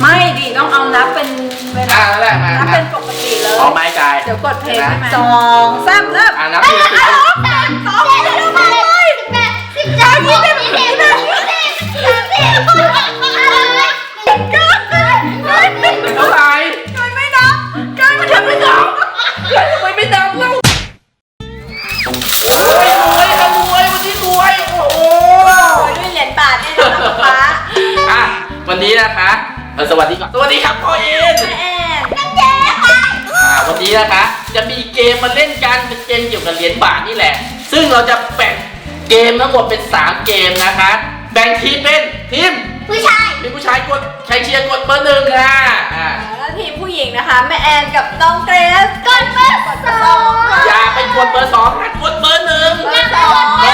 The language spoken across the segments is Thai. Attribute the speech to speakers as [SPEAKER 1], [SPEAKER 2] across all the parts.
[SPEAKER 1] ไม่ดิต้องเอานับเป็นเวลา
[SPEAKER 2] แล้วแหละมา
[SPEAKER 1] นับเป็นปกติเลย
[SPEAKER 2] เอาไม้กาย
[SPEAKER 1] เดี๋ยวกดเพลงใช่ไหม2 3เริ่ม
[SPEAKER 2] นับทีละ10 เท่าไหร่
[SPEAKER 1] กายไม่นับกายมันทำไม่นับ
[SPEAKER 2] ทำไมไม่นับเล่าโอ้ยรวยค่ะรวยวันนี้รวยโอ้โห
[SPEAKER 1] โอ้ยด้วยเหรียญบาทเนี่ยนะป๊า
[SPEAKER 2] อ่ะวันนี้นะคะสวัสดีก่อนสวัสดีครับพ่อเอ็น
[SPEAKER 1] แม่แอน
[SPEAKER 2] วันนี้นะคะจะมีเกมมาเล่นกันเป็นเกมเกี่ยวกับเหรียญบาทนี่แหละซึ่งเราจะแบ่งเกมทั้งหมดเป็น3เกมนะคะแบ่งทีมเป็นทีมผู้ชายกดใครเชียร์กดเบอร์ 1ค่ะ
[SPEAKER 1] แล้วทีมผู้หญิงนะคะแม่แอนกับน้องเกรซกดเบอร์2
[SPEAKER 2] อย่าไปกดเบอร์ 2นะกดเบอร์ 1เบอร์ 1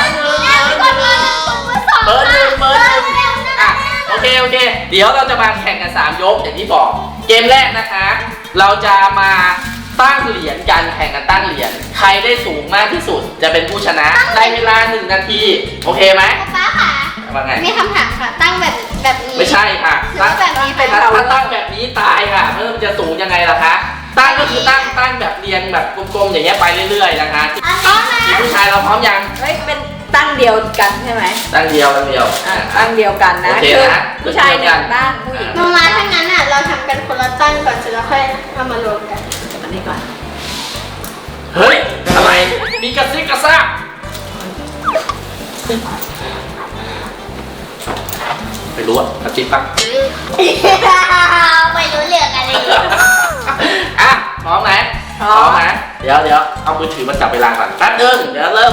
[SPEAKER 2] อ่ะโอเคเดี๋ยวเราจะมาแข่งกัน3ยกอย่างที่บอกเกมแรกนะคะ เราจะมาตั้งเหรียญกันแข่งกันตั้งเหรียญใครได้สูงมากที่สุดจะเป็นผู้ชนะในเวลา1 นาทีโอเคไหม
[SPEAKER 3] ป๊าค่ะ
[SPEAKER 2] ว่าไง
[SPEAKER 3] มีคำถามค่ะ ตั้งแบบนี้
[SPEAKER 2] ไม่ใช่ค่ะ
[SPEAKER 3] ตั้งแบบนี้เป็น
[SPEAKER 2] ถ้าตั้งแบบนี้ตายค่ะมันจะสูงยังไงล่ะคะตั้งก็คือตั้งแบบเรียงแบบกลมๆอย่างเงี้ยไปเรื่อยๆนะคะทีมผู้ชายเราพร้อมยัง
[SPEAKER 1] เฮ้ยเป็นตั้งเดียวกันใช่ไหม
[SPEAKER 2] ตั้งเดียว
[SPEAKER 1] ตั้งเดียวกันนะ
[SPEAKER 2] โอเคนะ
[SPEAKER 1] ผู้ชายหนึ่งตั้งผู้หญิง
[SPEAKER 3] มาถ้างั้นอ่ะเราทำกันคนละตั้งก่อนเสร็จแล้วค่อยเอามารวมกัน
[SPEAKER 1] อันนี้ก่อน
[SPEAKER 2] เฮ้ยอะไรมีกระซิบกระซาบไม่รู้อะกระซิบปะ
[SPEAKER 3] ไม่รู้เรื่องอะไร
[SPEAKER 2] อ่ะพร้อมไหมนะเดี๋ยวเอามือถือมาจับเวลาก่อนแป๊บนึงเดี๋ยวเริ่ม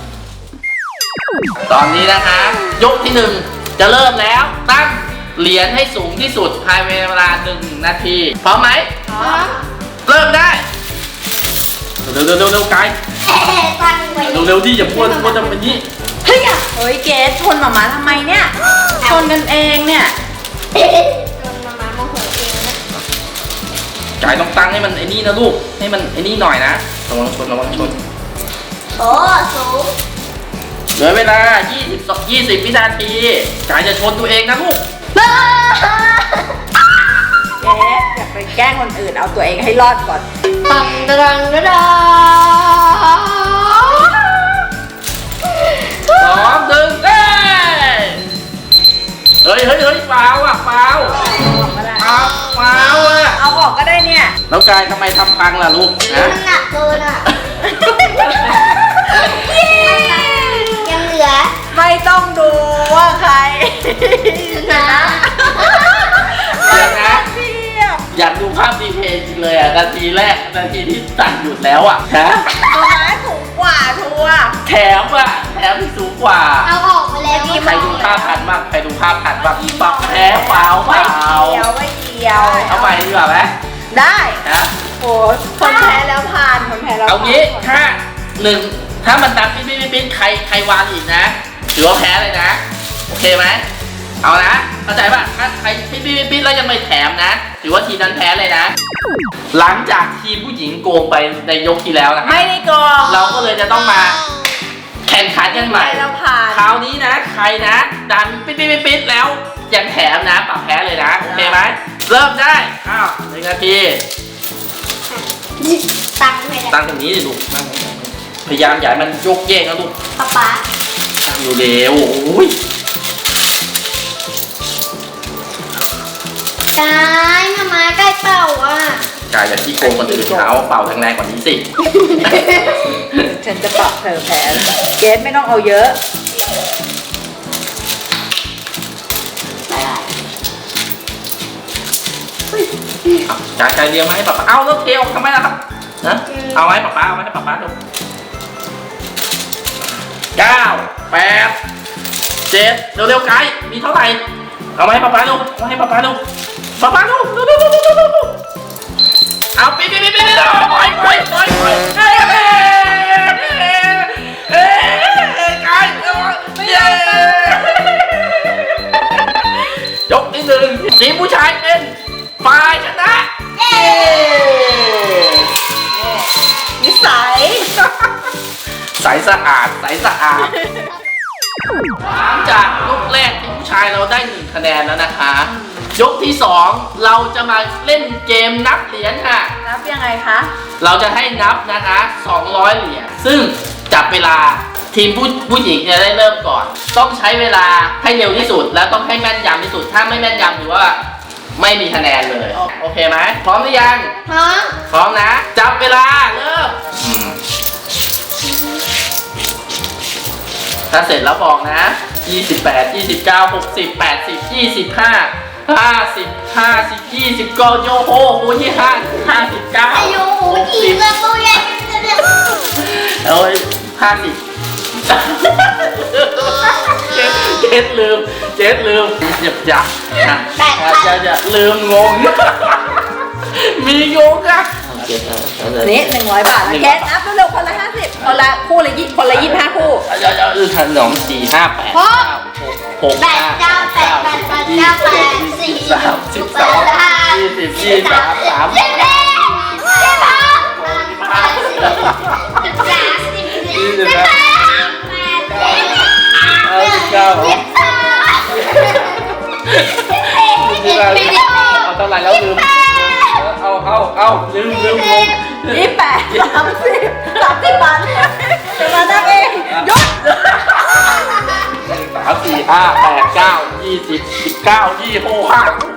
[SPEAKER 2] ตอนนี้นะคะยกที่1จะเริ่มแล้วตั้งเหรียญให้สูงที่สุดภายในเวลา1 นาทีพร้อมไหม เริ่มได้เร็วไกล
[SPEAKER 3] ตั้งไว้
[SPEAKER 2] เร็วดิอย่าพูดจะเป็นนี้
[SPEAKER 1] เฮ้ยเกสชนหมาทำไมเนี่ยชนกันเองเนี่ย
[SPEAKER 3] โดนมาโมโหเองนะ
[SPEAKER 2] ไกลต้องตั้งให้มันไอ้นี่นะลูกให้มันไอ้นี่หน่อยนะระวังชน
[SPEAKER 3] โอ้สูง
[SPEAKER 2] เหลือเวลา20 วินาทีไกลจะชนตัวเองนะลูก
[SPEAKER 1] เกสอย่าไปแกล้งคนอื่นเอาตัวเองให้รอดก่อน
[SPEAKER 3] ตังดังดัง
[SPEAKER 2] 2 1เฮ้ยฟาวอ่ะฟาวอ่ะ
[SPEAKER 1] เอาออกก็ได้เนี่ย
[SPEAKER 2] แล้วกายทำไมทำพังล่ะลูกนะ
[SPEAKER 3] มันหนักเกินอ่ะยังเหลือ
[SPEAKER 1] ไม่ต้องดูว่าใคร
[SPEAKER 3] นะ
[SPEAKER 2] เดี๋ยวนะ
[SPEAKER 1] เทียบ
[SPEAKER 2] อยากดูภาพดีเพย์จริงเลยอ่ะนาทีแรกนาทีที่ตัดหยุดแล้วอ่ะฮะ
[SPEAKER 1] ตัวไม้สูงกว่าทัวร์
[SPEAKER 2] แถมที่สูงกว่า
[SPEAKER 3] เอาออกมาแล้ว
[SPEAKER 2] ใครดูภาพทันบ้างปักแพ้เปล่า
[SPEAKER 1] ไม่เกี่ยว
[SPEAKER 2] เอาใหม่ดีกว่าไหม
[SPEAKER 1] ได้
[SPEAKER 2] ฮะ
[SPEAKER 1] โอ้คนแพ้แล้วผ่านคนแพ้แล้ว
[SPEAKER 2] เอางี้ถ้ามันนับปิ๊ดใครวางอีกนะถือว่าแพ้เลยนะโอเคไหมเอานะเข้าใจป่ะถ้าใครปิ๊ดแล้วยังไม่แถมนะถือว่าทีมนั้นแพ้เลยนะ หลังจากทีมผู้หญิงโกงไปในยกที่แล้วนะ
[SPEAKER 1] ไม่ได้โกง
[SPEAKER 2] เราก็เลยจะต้องมาแข่งขันกันใหม่
[SPEAKER 1] แล้วผ่าน
[SPEAKER 2] คราวนี้นะใครนะดันปิ๊ดแล้วยังแถมนะปรับแพ้เลยนะโอเคไหมเริ่มได้อ้าว1 นาที
[SPEAKER 3] ตังไม่ได้
[SPEAKER 2] ตั้งตรงนี้ดิลูกตั้งพยายามอย่าให้มันโยกเยกนะลูก
[SPEAKER 3] ป๊า
[SPEAKER 2] ตั้งอยู่เร็วโอ้ย
[SPEAKER 3] กายมาใกล้เป่าอ่ะ
[SPEAKER 2] กายอย่าที่โกงคนอื่นเขาเป่าแรงๆกว่านี้สิ
[SPEAKER 1] ฉันจะปรับเธอแพ้เกสไม่ต้องเอาเยอะ
[SPEAKER 2] กายเลี้ยงมาให้ป๊าเอาแล้วเทออกทำไมล่ะครับนะเอาไว้ป๊าเอาไว้ให้ป๊าดู9 8 7เร็วๆกายมีเท่าไหร่เอาไว้ให้ป๊าดูเอาให้ป๊าดูเอาปิ๊ดปล่อยกายยกที่1ทีมผู้ชายเป็นฝ่ายชนะเย้
[SPEAKER 1] นิสัย
[SPEAKER 2] ใสสะอาดหลังจากยกแรกทีมผู้ชายเราได้1 คะแนนแล้วนะคะยกที่ 2 เราจะมาเล่นเกมนับเหรียญค่ะ
[SPEAKER 1] นับยังไงคะ
[SPEAKER 2] เราจะให้นับนะคะ200เหรียญซึ่งจับเวลาทีมผู้หญิงจะได้เริ่มก่อน ต้องใช้เวลาให้เร็วที่สุด และต้องให้แม่นยำที่สุดถ้าไม่แม่นยำถือว่าไม่มีคะแนนเลยโอเคไหมพร้อมหรือยัง
[SPEAKER 3] พร้อม
[SPEAKER 2] พร้อมนะ จับเวลาเริ่มถ้าเสร็จแล้วบอกนะ28 29 60 80 25 50 20ก็โยโฮคูที่59
[SPEAKER 3] อายุกี่
[SPEAKER 2] 60
[SPEAKER 3] กระปุกใหญ่
[SPEAKER 2] โอ้ย50เจ็ดลืมอย่าจะลืมงงมีงงอะ
[SPEAKER 1] นี่100 บาทนะแกนับเร็วๆคนละ50คนละคู่ละคนละ25 คู่
[SPEAKER 2] ขนม4 5 8 9 6
[SPEAKER 3] แปดเก้าแปดแปดแปดเก้าแปดสี่
[SPEAKER 2] 12 20 23 เอาเท่าไหร่แล้วลืมเอาลืมงง
[SPEAKER 1] 28 30 บาทจะมานับเองยก
[SPEAKER 2] 3 4 5 8 9 20 19 25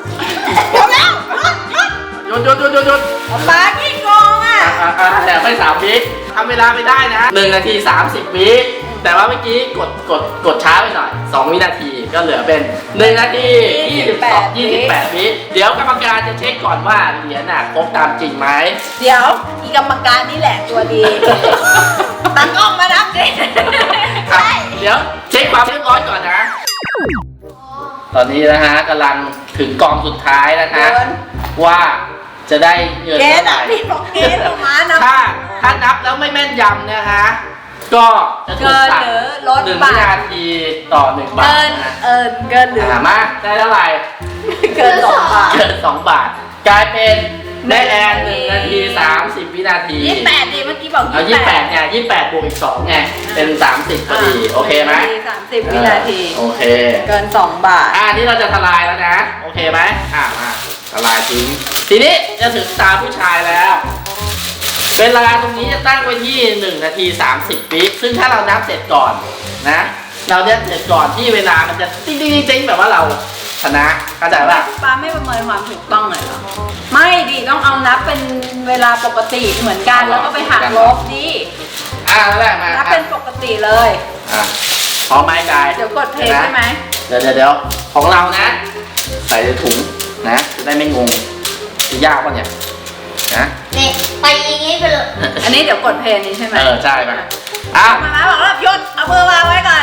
[SPEAKER 2] หยุด
[SPEAKER 1] มากี่กองอ่ะ
[SPEAKER 2] แต่ไม่3 วิทำเวลาไม่ได้นะ1 นาที 30 วิแต่ว่าเมื่อกี้กดช้าไปหน่อย2 วินาทีก็เหลือเป็น1 นาที28 วิเดี๋ยวกรรมการจะเช็คก่อนว่าเหรียญน่ะครบตามจริงไหม
[SPEAKER 1] เดี๋ยวอีกรรมการนี่แหละตัวดีตั้งกล้องมานับดิ
[SPEAKER 2] เดี๋ยวเช็คความเรียบร้อยก่อนนะ ตอนนี้นะฮะกำลังถึงกองสุดท้ายนะคะว่าจะได้เงิน
[SPEAKER 1] เก
[SPEAKER 2] เท่า
[SPEAKER 1] ณฑ์
[SPEAKER 2] ไหร่
[SPEAKER 1] พี่บอกเกณฑ์ออกมานะ
[SPEAKER 2] ถ้านับแล้วไม่แม่นยำนะฮะก็จะถูกตัด
[SPEAKER 1] เกินหรือลด
[SPEAKER 2] 1
[SPEAKER 1] บาท
[SPEAKER 2] วินาทีต่อ1 บาทนะ
[SPEAKER 1] เกินหรือ
[SPEAKER 2] มาได้เท่าไหร่
[SPEAKER 1] เกิน2 บาท
[SPEAKER 2] เกิน2 บาท กลายเป็นแม่แอน1 นาที 30 วินาที
[SPEAKER 1] 28ดิเมื่อกี้บอก
[SPEAKER 2] เอา28เนี่ย28บวกอีก2ไงเป็น 30พอดีโอเคไหม
[SPEAKER 1] 30 วินาที
[SPEAKER 2] โอเค
[SPEAKER 1] เกิน2 บาท
[SPEAKER 2] นี่เราจะทลายแล้วนะ โอเคไหมมาทลายทิ้งทีนี้จะถึงตาผู้ชายแล้ว เวลาตรงนี้จะตั้งไว้ที่1 นาที 30 วิซึ่งถ้าเรานับเสร็จก่อนนะ เราจะเสร็จก่อนที่เวลามันจะติ๊งแบบว่าเราชนะเข้าใจป่ะ
[SPEAKER 1] ป้าไม่ประเมินความถูกต้องเลยเหรอ ไม่ดิต้องเอานับเป็นเวลาปกติเหมือนกันแล้วก็ไปหักลบดิ
[SPEAKER 2] นั่นแหละมา
[SPEAKER 1] นับเป็นปกติเลย
[SPEAKER 2] พร้อมไหมกาย
[SPEAKER 1] เดี๋ยวกดเพลงได้ไหม
[SPEAKER 2] เดี๋ยวของเรานะ ใส่ในถุงนะจะได้ไม่งงจะยากป่ะเนี่ยนะ
[SPEAKER 3] เนี่ยไปอย่างงี้ไปเลย
[SPEAKER 1] อันนี้เดี๋ยวกดเพลงนี้ใช่ไหม
[SPEAKER 2] ใช่ป่ะ
[SPEAKER 1] มาบอกว่าหยุดเอามือวางไว้ก่อน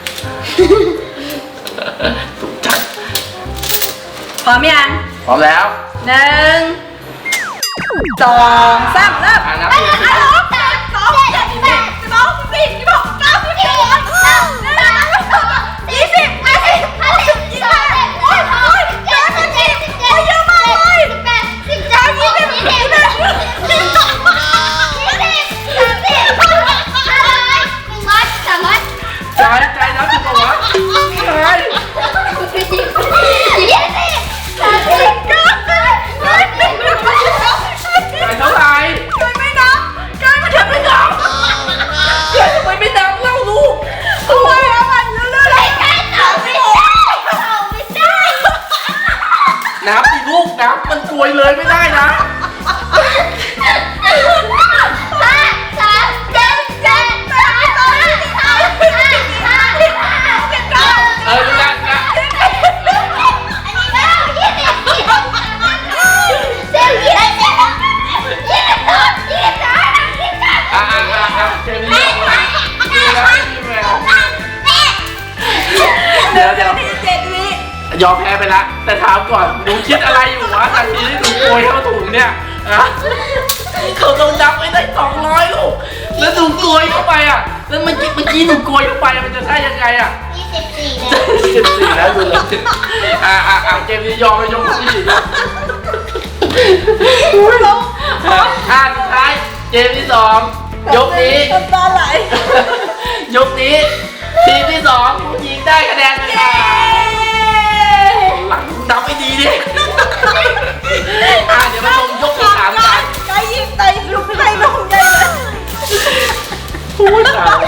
[SPEAKER 2] ถูกจัง
[SPEAKER 1] พร้อมยัง
[SPEAKER 2] พร้อมแล้ว
[SPEAKER 1] 1 2 3เริ่ม
[SPEAKER 2] นับ
[SPEAKER 1] 2 3 4
[SPEAKER 2] ใจนับถูกป่าวะใจเท่าไหร่
[SPEAKER 1] ไม่นับกายมันทำไม่นับ
[SPEAKER 2] ทำไมไม่นับเล่าลูก
[SPEAKER 1] ทำไมอะมันเรื่อยๆ
[SPEAKER 2] นับสิลูกนับมันกลวยเลยไม่ได้นะรู้แล้วนะเจมี่เดี๋ยวยอมแพ้ไปละแต่ถามก่อนหนูคิดอะไรอยู่วะทันทีที่หนูโกยเข้าถุงเนี่ยเขาต้องนับไม่ได้200ลูกแล้วหนูโกยเข้าไปแล้วเมื่อกี้หนูโกยเข้าไปมันจะได้ยังไง14แล้วดูเลยเกมนี้ยอมไปยกที่สุดท้ายเกมที่2ยกนี้
[SPEAKER 1] ตาไหล
[SPEAKER 2] ยกนี้ทีมที่2ผู้หญิงได้คะแนนไปค่ะหลังนับไม่ดีดิเดี๋ยวมาชมยกที่สามกัน
[SPEAKER 1] ไก่ยิงไตลูกไก่ลงใหญ่เลย
[SPEAKER 2] พูดตาย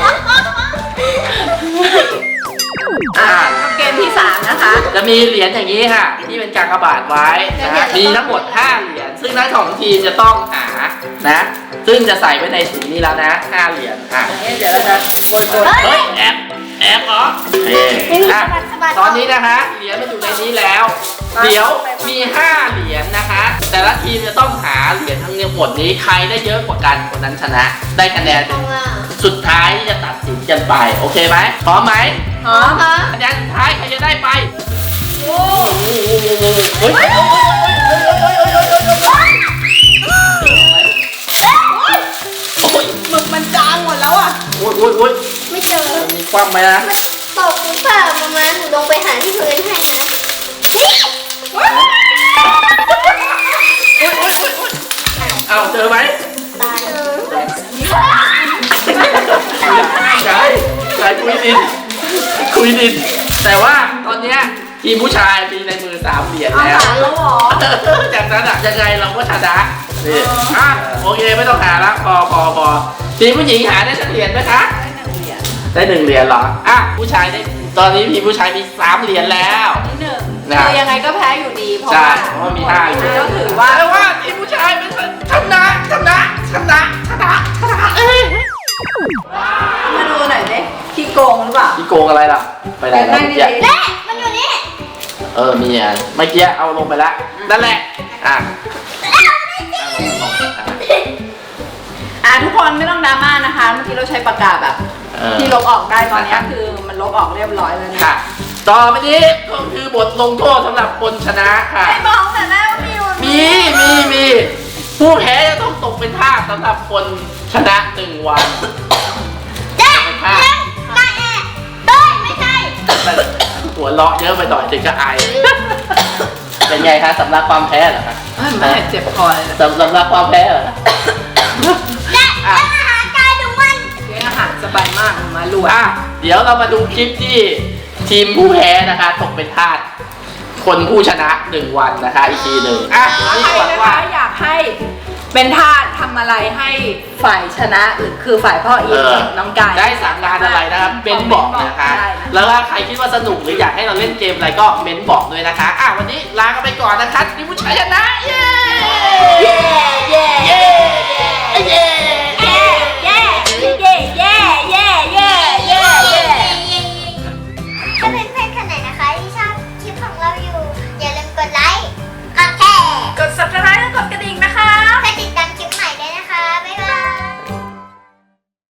[SPEAKER 1] เกมที่ 3 นะคะ
[SPEAKER 2] จะมีเหรียญอย่างนี้ค่ะ ที่เป็นกากบาทไว้นะฮะมีทั้งหมด5เหรียญซึ่งทั้งของทีมจะต้องหานะซึ่งจะใส่ไว้ในถุงนี้แล้วนะ5เหรียญ
[SPEAKER 1] เดี๋ยวเราจะโกย
[SPEAKER 2] เฮ้ยแอบเหรอตอนนี้นะคะเหรียญมันอยู่ในนี้แล้ว เดี๋ยวมี5เหรียญนะคะ แต่ละทีมจะต้องหาเหรียญทั้งหมดนี้ใครได้เยอะกว่ากันคนนั้นชนะ ได้คะแนนสุดท้ายที่จะตัดสินกันไปโอเคไหมพร้อมไหม
[SPEAKER 1] หอม
[SPEAKER 2] คะแนนสุดท้ายใครจะได้ไป
[SPEAKER 1] โอ้
[SPEAKER 2] เฮ้ยโอ้ย
[SPEAKER 1] หมึกมันจางหมดแล้วอ่ะ
[SPEAKER 2] โอ้ย
[SPEAKER 3] ไม่เจอ
[SPEAKER 2] มีความไหมนะ
[SPEAKER 3] ตกหรือเปล่าประมาณหนูลงไปหาที่พื้นให้นะ
[SPEAKER 2] เอาเจอไหม
[SPEAKER 3] ตาย
[SPEAKER 2] ใช่คุยดินแต่ว่าตอนเนี้ยทีมผู้ชายมีในมือ3เหรียญ
[SPEAKER 1] เอา
[SPEAKER 2] แล้ว
[SPEAKER 1] หาแล้วเหรอ
[SPEAKER 2] จากนั้นอะยังไงเราก็ชนะนี่โอเคไม่ต้องหาละพอทีมผู้หญิงหาได้สักเหรียญไหมคะได้1เหรียญเหรอผู้ชายได้ตอนนี้ทีมผู้ชายมี3เหรียญแล้ว
[SPEAKER 1] ที่หนึ่งคือยังไงก็แพ้อยู่ดีเพราะ
[SPEAKER 2] ใช่
[SPEAKER 1] ว่า
[SPEAKER 2] เพราะว่ามี5เหรียญ
[SPEAKER 1] ก็ถือว่า
[SPEAKER 2] แต่ว่าทีมผู้ชายเป็นชนะ
[SPEAKER 1] มาดูหน่อยดิขี้โกงหรือเปล่า
[SPEAKER 2] พี่โกงอะไรล่ะไปไหนแล้ว
[SPEAKER 1] ไม่
[SPEAKER 2] เมื่อ
[SPEAKER 1] ได้
[SPEAKER 2] กี้
[SPEAKER 3] แม่มันอยู่นี่
[SPEAKER 2] มีอ่ะเมื่อกี้เอาลงไปแล้วนั่นแหละ
[SPEAKER 1] ทุกคนไม่ต้องดราม่านะคะเมื่อกี้เราใช้ปากกาแบบที่ลบออกได้ตอนนี้คือมันลบออกเรียบร้อยแล้วนะ
[SPEAKER 2] ค่ะต่อไปนี้ก็คือบทลงโทษสำหรับคนชนะค่ะ
[SPEAKER 1] ไม่บอกแต่แม่ว่ามีอยู่
[SPEAKER 2] มีผู้แพ้จะต้องตกเป็นทาสสำหรับคนชนะ1 วัน
[SPEAKER 3] เจ๊
[SPEAKER 2] เป็นทาส
[SPEAKER 3] มาแอบเต้ยไม่ใช่
[SPEAKER 2] หัวเราะเยอะไปหน่อยถึงก็อายเป็นไงคะสำหรับความแพ้เหรอคะ
[SPEAKER 1] ไม่เจ็บคอเลยนะ
[SPEAKER 2] สำหรับความแพ้เหรอ
[SPEAKER 3] เจ๊อาหารกายทุกวัน
[SPEAKER 1] เลี้ยงอาหารสบายมากมาลูก
[SPEAKER 2] เดี๋ยวเรามาดูคลิปที่ทีมผู้แพ้นะคะตกเป็นทาสคนผู้ชนะ1 วันนะคะอีกทีหนึ่งนี่
[SPEAKER 1] ใคร
[SPEAKER 2] ก่อน
[SPEAKER 1] นะ
[SPEAKER 2] ว่า
[SPEAKER 1] คะอยากให้เป็นทาสทำอะไรให้ฝ่ายชนะหรือคือฝ่ายพ่ออีกน้องกาย
[SPEAKER 2] ได้สั่งงานอะไรนะครับเม้นบอกนะคะ แล้วถ้าใครคิดว่าสนุกหรืออยากให้เราเล่นเกมอะไรก็เม้นบอกด้วยนะคะวันนี้ลากันไปก่อนนะคะทีมผู้ชายชนะเย้เย้เย้เย้เย้
[SPEAKER 3] ถ้าเพื่อนๆคนไหนนะคะที่ชอบคลิปของเราอยู่ อย่าลืมกดไลค์ กดแชร์
[SPEAKER 1] กด subscribe